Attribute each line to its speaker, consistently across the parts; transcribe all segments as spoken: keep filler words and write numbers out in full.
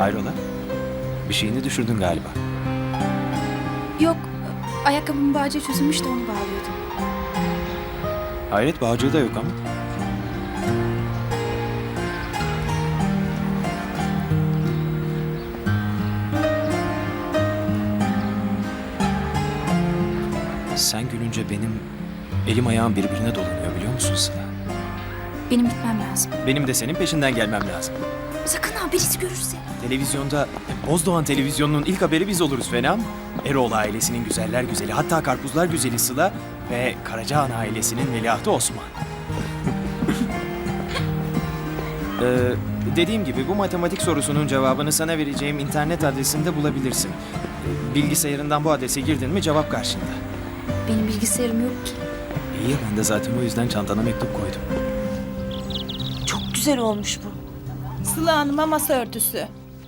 Speaker 1: Hayrola? Bir şeyini düşürdün galiba.
Speaker 2: Yok, ayakkabımın bağcığı çözülmüş de onu bağlıyordum.
Speaker 1: Hayret, bağcığı da yok ama. Sen gülünce benim elim ayağım birbirine dolanıyor biliyor musun Sıla?
Speaker 2: Benim gitmem lazım.
Speaker 1: Benim de senin peşinden gelmem lazım.
Speaker 2: Sakın ha, birisi görürse.
Speaker 1: Televizyonda, Bozdoğan televizyonunun ilk haberi biz oluruz fena mı? Eroğlu ailesinin güzeller güzeli, hatta karpuzlar güzeli Sıla ve Karacahan ailesinin veliahtı Osman. ee, dediğim gibi bu matematik sorusunun cevabını sana vereceğim internet adresinde bulabilirsin. Ee, Bilgisayarından bu adrese girdin mi cevap karşında.
Speaker 2: Benim bilgisayarım yok ki.
Speaker 1: İyi ya, ben de zaten o yüzden çantana mektup koydum.
Speaker 3: Çok güzel olmuş bu.
Speaker 4: Sıla Hanım'a masa örtüsü.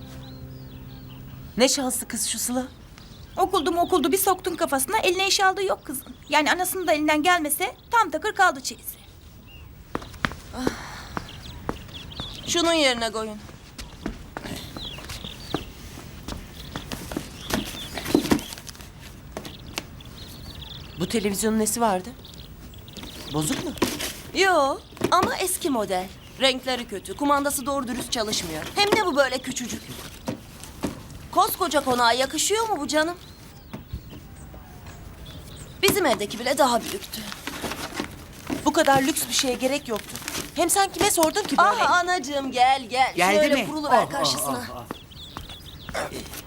Speaker 3: Ne şanslı kız şu Sıla.
Speaker 4: Okuldu mu okuldu bir soktun kafasına, eline iş aldığı yok kızın. Yani anasının da elinden gelmese tam takır kaldı çeyizi.
Speaker 3: Şunun yerine koyun. Bu televizyonun nesi vardı? Bozuk mu?
Speaker 5: Yo ama eski model. Renkleri kötü, kumandası doğru dürüst çalışmıyor. Hem de bu böyle küçücük. Koskoca konağa yakışıyor mu bu canım? Bizim evdeki bile daha büyüktü.
Speaker 3: Bu kadar lüks bir şeye gerek yoktu. Hem sen kime sordun ki böyle?
Speaker 5: Ah anacığım gel gel.
Speaker 6: Geldi
Speaker 5: Şöyle
Speaker 6: mi?
Speaker 5: kuruluver
Speaker 6: Oh, oh,
Speaker 5: karşısına.
Speaker 6: oh, oh.